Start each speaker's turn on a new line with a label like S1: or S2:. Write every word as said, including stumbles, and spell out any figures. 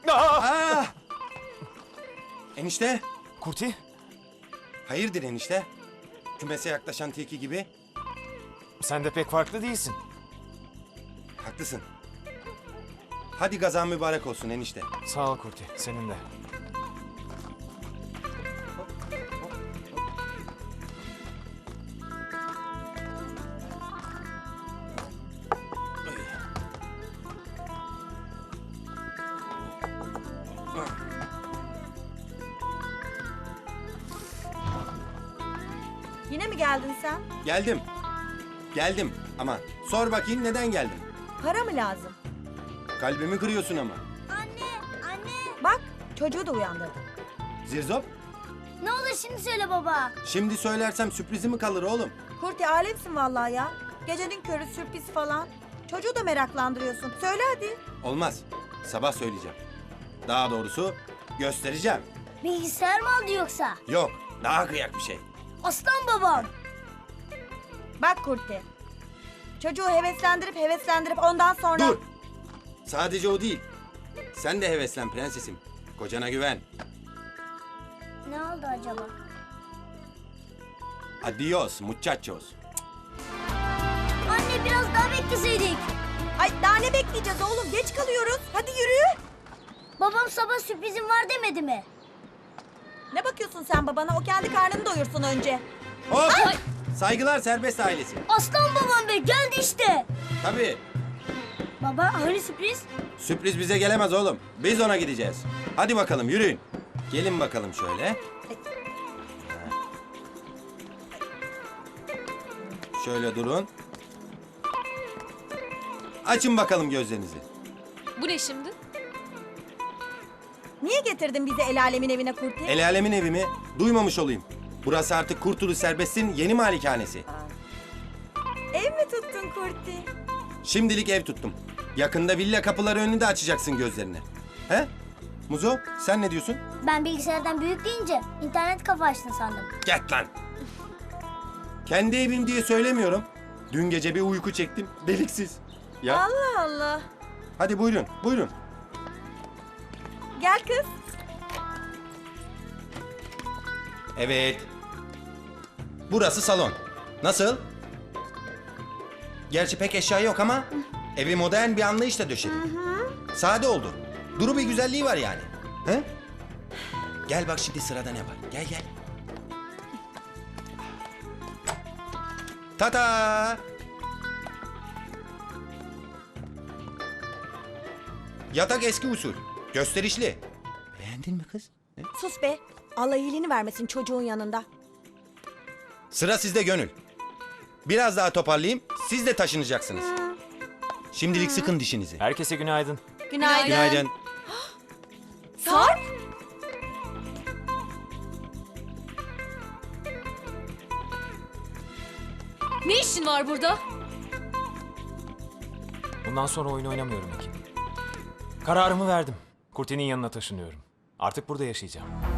S1: Aa! Enişte.
S2: Kurti,
S1: Hayırdır enişte? Kümese yaklaşan tilki gibi.
S2: sen de pek farklı değilsin.
S1: Haklısın. Hadi gazan mübarek olsun enişte.
S2: Sağ ol Kurti, senin de.
S3: Yine mi geldin sen?
S1: Geldim. Geldim ama sor bakayım neden geldin?
S3: Para mı lazım?
S1: Kalbimi kırıyorsun ama.
S4: Anne, anne.
S3: Bak çocuğu da uyandırdın.
S1: Zirzop,
S4: Ne olur şimdi söyle baba.
S1: şimdi söylersem sürprizi mi kalır oğlum?
S3: Kurti alemsin vallahi ya. Gecenin körü sürpriz falan. Çocuğu da meraklandırıyorsun. Söyle hadi.
S1: Olmaz. Sabah söyleyeceğim. Daha doğrusu göstereceğim.
S4: Bilgisayar mı aldı yoksa?
S1: Yok, daha kıyak bir şey.
S4: Aslan babam.
S3: Bak Kurti. Çocuğu heveslendirip heveslendirip ondan sonra...
S1: Dur! Sadece o değil. Sen de heveslen prensesim. Kocana güven.
S4: Ne oldu acaba?
S1: Adios muchachos.
S4: Anne biraz daha bekleseydik.
S3: Ay daha ne bekleyeceğiz oğlum? Geç kalıyoruz. Hadi yürü.
S4: Babam sabah sürprizim var demedi mi?
S3: Ne bakıyorsun sen babana? O kendi karnını doyursun önce.
S1: Hop! Saygılar serbest ailesi.
S4: Aslan babam be geldi işte.
S1: Tabii.
S4: Baba hani sürpriz?
S1: Sürpriz bize gelemez oğlum. Biz ona gideceğiz. Hadi bakalım yürüyün. Gelin bakalım şöyle. Şöyle durun. Açın bakalım gözlerinizi.
S5: Bu ne şimdi?
S3: Niye getirdin bizi el alemin evine Kurti?
S1: El alemin evi mi? Duymamış olayım. Burası artık Kurtuluş Serbest'in yeni malikanesi.
S3: Ev mi tuttun Kurti?
S1: Şimdilik ev tuttum. Yakında villa kapıları önünde açacaksın gözlerini. He? Muzo, sen ne diyorsun?
S4: Ben bilgisayardan büyük deyince internet kafa açtın sandım.
S1: Get lan! Kendi evim diye söylemiyorum. Dün gece bir uyku çektim. Deliksiz. Ya
S3: Allah Allah.
S1: hadi buyurun, buyurun.
S3: Gel kız.
S1: Evet. Burası salon. Nasıl? Gerçi pek eşya yok ama evi modern bir anlayışla döşedim. Sade oldu. Duru bir güzelliği var yani. He? Gel bak şimdi sırada ne var. Gel gel. Tata! Yatak eski usul. Gösterişli. Beğendin mi kız? Ne?
S3: Sus be. Allah iyiliğini vermesin çocuğun yanında.
S1: Sıra sizde Gönül. Biraz daha toparlayayım, siz de taşınacaksınız. Şimdilik sıkın dişinizi.
S2: Herkese günaydın.
S3: Günaydın.
S1: Günaydın.
S3: Sarp.
S5: Ne işin var burada?
S2: Bundan sonra oyun oynamıyorum Ekin. Kararımı verdim. Kurti'nin yanına taşınıyorum. Artık burada yaşayacağım.